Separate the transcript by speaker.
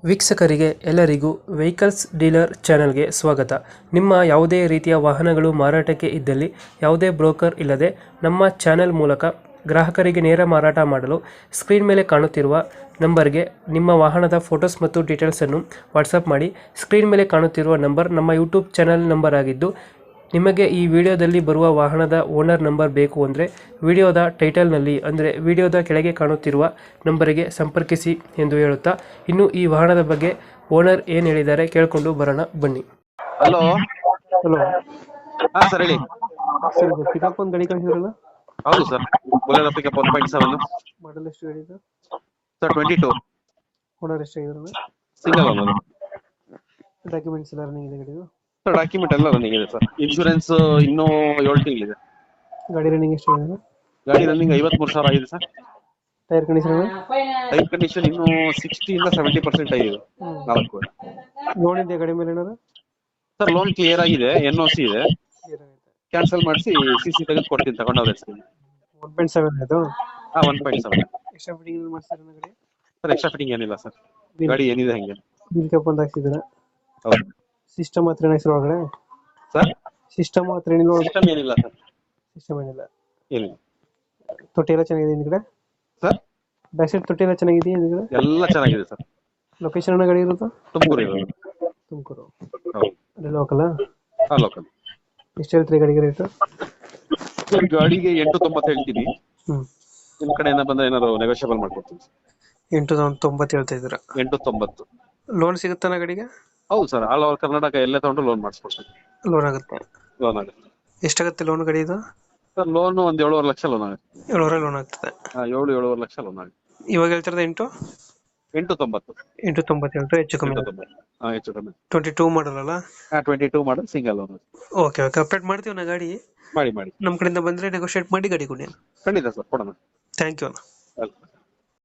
Speaker 1: ವೀಕ್ಷಕರಿಗೆ ಎಲ್ಲರಿಗೂ vehicles dealer ಚಾನೆಲ್ಗೆ ಸ್ವಾಗತ. ನಿಮ್ಮ ಯಾವುದೇ ರೀತಿಯ ವಾಹನಗಳು ಮಾರಾಟಕ್ಕೆ ಇದ್ದಲ್ಲಿ ಯಾವುದೇ ಬ್ರೋಕರ್ ಇಲ್ಲದೆ ನಮ್ಮ ಚಾನೆಲ್ ಮೂಲಕ ಗ್ರಾಹಕರಿಗೆ ನೇರ ಮಾರಾಟ ಮಾಡಲು ಸ್ಕ್ರೀನ್ ಮೇಲೆ ಕಾಣುತ್ತಿರುವ ನಂಬರ್ಗೆ ನಿಮ್ಮ ವಾಹನದ ಫೋಟೋಸ್ ಮತ್ತು ಡೀಟೇಲ್ಸನ್ನು ವಾಟ್ಸಪ್ ಮಾಡಿ. ಸ್ಕ್ರೀನ್ ಮೇಲೆ ಕಾಣುತ್ತಿರುವ ನಂಬರ್ ನಮ್ಮ ಯೂಟ್ಯೂಬ್ ಚಾನೆಲ್ ನಂಬರ್ ಆಗಿದ್ದು, ನಿಮಗೆ ಈ ವಿಡಿಯೋದಲ್ಲಿ ಬರುವ ವಾಹನದ ಓನರ್ ನಂಬರ್ ಬೇಕು ಅಂದರೆ ವಿಡಿಯೋದ ಟೈಟಲ್ನಲ್ಲಿ ಅಂದರೆ ವಿಡಿಯೋದ ಕೆಳಗೆ ಕಾಣುತ್ತಿರುವ ನಂಬರಿಗೆ ಸಂಪರ್ಕಿಸಿ ಎಂದು ಹೇಳುತ್ತಾ, ಇನ್ನು ಈ ವಾಹನದ ಬಗ್ಗೆ ಓನರ್ ಏನು ಹೇಳಿದ್ದಾರೆ ಕೇಳಿಕೊಂಡು ಬರೋಣ ಬನ್ನಿ.
Speaker 2: ಹಲೋ.
Speaker 1: ಹಲೋ
Speaker 2: ಹಾ ಸರ್ ಹೇಳಿ.
Speaker 1: ಸರ್, ಪಿಕಪ್ ಒಂದು ಗಾಡಿ ಕಳಿಸಿದ್ರಲ್ಲ,
Speaker 2: ಹೌದು ಸರ್, ಬೊಲೆರೋ ಪಿಕಪ್ 1.7
Speaker 1: ಮಾಡಲ್ ಎಷ್ಟು ಗಾಡಿ ಇದೆ
Speaker 2: ಸರ್, 22
Speaker 1: ಓನರ್ ಎಷ್ಟಾಗಿದ್ರಲ್ಲ?
Speaker 2: Single owner.
Speaker 1: ಡಾಕ್ಯುಮೆಂಟ್ಸ್ ಎಲ್ಲ ರನ್ನಿಂಗ್ ಇದೆ ಗಾಡಿದು?
Speaker 2: ಸರ್ ಡಾಕ್ಯುಮೆಂಟ್ ಎಲ್ಲ ರನ್ನಿಂಗ್ ಇದೆ ಸರ್. ಇನ್ಶೂರೆನ್ಸ್ ಇನ್ನೂ 7 ತಿಂಗಳಿದೆ.
Speaker 1: ಗಾಡಿ ರನ್ನಿಂಗ್ ಎಷ್ಟಾಗಿದೆ?
Speaker 2: ಗಾಡಿ ರನ್ನಿಂಗ್ 53,000 ಆಗಿದೆ sir.
Speaker 1: Tyre condition?
Speaker 2: Tyre condition ಇನ್ನೂ 60 ಇಂದ 70% ಆಗಿದೆ. 4
Speaker 1: ಲೋನ್ ಇದೆ ಗಾಡಿ ಮೇಲೆ ಏನಾದ್ರು?
Speaker 2: ಸರ್ ಲೋನ್ ಕ್ಲಿಯರ್ ಆಗಿದೆ, NOC ಇದೆ. ಕ್ಯಾನ್ಸಲ್ ಮಾಡಿಸಿ CC ತೆಗೆದು ಕೊಡ್ತೀನಿ ತಗೊಂಡವ್ರ ಹೆಸರು.
Speaker 1: 1.7 ಇದು?
Speaker 2: ಹಾ 1.7.
Speaker 1: ಎಕ್ಸ್ಟ್ರಾ ಫಿಟ್ಟಿಂಗ್ ಮಾಡ್ತಾರೆ ಗಾಡಿ?
Speaker 2: ಸರ್ ಎಕ್ಸ್ಟ್ರಾ ಫಿಟ್ಟಿಂಗ್ ಏನಿಲ್ಲ ಸರ್, ಗಾಡಿ ಏನಿದೆ ಹಂಗೆ.
Speaker 1: ಬಿಲ್ ಕಪ್ ಒಂದು ಹಾಕ್ಸಿದ್ದೀರಾ?
Speaker 2: ಹೌದು
Speaker 1: ಸಿಸ್ಟಮ್ ಹತ್ರ ಏನಾಗಿರೋ ಒಳಗಡೆ?
Speaker 2: ಸರ್
Speaker 1: ಸಿಸ್ಟಮ್ ಹತ್ರ ಏನಿಲ್ಲ?
Speaker 2: ಸಿಸ್ಟಮ್ ಏನಿಲ್ಲ ಸರ್,
Speaker 1: ಸಿಸ್ಟಮ್ ಏನಿಲ್ಲ.
Speaker 2: ಏನಿಲ್ಲ.
Speaker 1: ತೊಟ್ಟಿ ಎಲ್ಲ ಚೆನ್ನಾಗಿದೆ ಹಿಂದ್ಗಡೆ?
Speaker 2: ಸರ್
Speaker 1: ಬ್ಯಾಕ್ ಸೈಡ್ ತೊಟ್ಟಿ ಎಲ್ಲ ಚೆನ್ನಾಗಿದೆ ಹಿಂದ್ಗಡೆ?
Speaker 2: ಎಲ್ಲ ಚೆನ್ನಾಗಿದೆ ಸರ್.
Speaker 1: ಲೊಕೇಶನ್ ಗಾಡಿ ಇರೋದು?
Speaker 2: ತುಮಕೂರು ಇರೋದು.
Speaker 1: ತುಮಕೂರು.
Speaker 2: ಹೌದು.
Speaker 1: ಅದೇ ಲೋಕಲ್?
Speaker 2: ಹಾ ಲೋಕಲ್.
Speaker 1: ಎಷ್ಟು ಹೇಳ್ತೀರಿ ಗಾಡಿಗೆ ರೇಟು?
Speaker 2: ಗಾಡಿಗೆ 8.90 ಹೇಳ್ತೀನಿ. ನಿಮ್ ಕಡೆಯಿಂದ ಬಂದ್ರೆ ಏನಾದ್ರು ನೆಗೋಷಿಯಬಲ್ ಮಾಡ್ಕೊಡ್ತೀನಿ.
Speaker 1: 8.90 ಹೇಳ್ತಾ ಇದ್ದೀರಾ?
Speaker 2: 8.90.
Speaker 1: ಲೋನ್ ಸಿಗುತ್ತಾನ ಗಾಡಿಗೆ?
Speaker 2: ಹೌದು ಸರ್, ಆಲ್ ಓವರ್ ಕರ್ನಾಟಕ ಎಲ್ಲೇ ತಗೊಂಡು ಲೋನ್ ಮಾಡಿಸ್ಕೊಡ್ತೀನಿ.
Speaker 1: ಲೋನ್ ಆಗುತ್ತೆ?
Speaker 2: ಲೋನ್ ಆಗುತ್ತೆ.
Speaker 1: ಎಷ್ಟಾಗುತ್ತೆ ಲೋನ್ ಗಾಡಿ ಇದು?
Speaker 2: ಸರ್ ಲೋನ್ ಒಂದು 7.5 ಲಕ್ಷ ಲೋನ್ ಆಗುತ್ತೆ.
Speaker 1: 7,000 ಲೋನ್ ಆಗ್ತದೆ?
Speaker 2: 7.5 ಲಕ್ಷ ಲೋನ್ ಆಗುತ್ತೆ.
Speaker 1: ಇವಾಗ ಹೇಳ್ತಿರೋದು
Speaker 2: 8.90.
Speaker 1: 8.90 ಹೇಳ್ತಾರೆ, ಹೆಚ್ಚು ಕಮ್ಮಿ?
Speaker 2: 8.90. ಹಾ ಹೆಚ್ಚು ಕಮ್ಮಿ.
Speaker 1: 22 ಮಾಡಲ್ ಅಲ್ಲ?
Speaker 2: 22 model single loan.
Speaker 1: Okay okay, update ಮಾಡ್ತೀವಿ ನಾ ಗಾಡಿ.
Speaker 2: ಮಾಡಿ
Speaker 1: ನಮ್ಮ ಕಡೆಯಿಂದ ಬಂದರೆ ನೆಗೋಷಿಯೇಟ್ ಮಾಡಿ ಗಾಡಿ ಕೊಡಿ.
Speaker 2: ಖಂಡಿತ ಸರ್, ಕೊಡೋಣ.
Speaker 1: Thank you.
Speaker 2: ವೆಲ್ಕಮ್.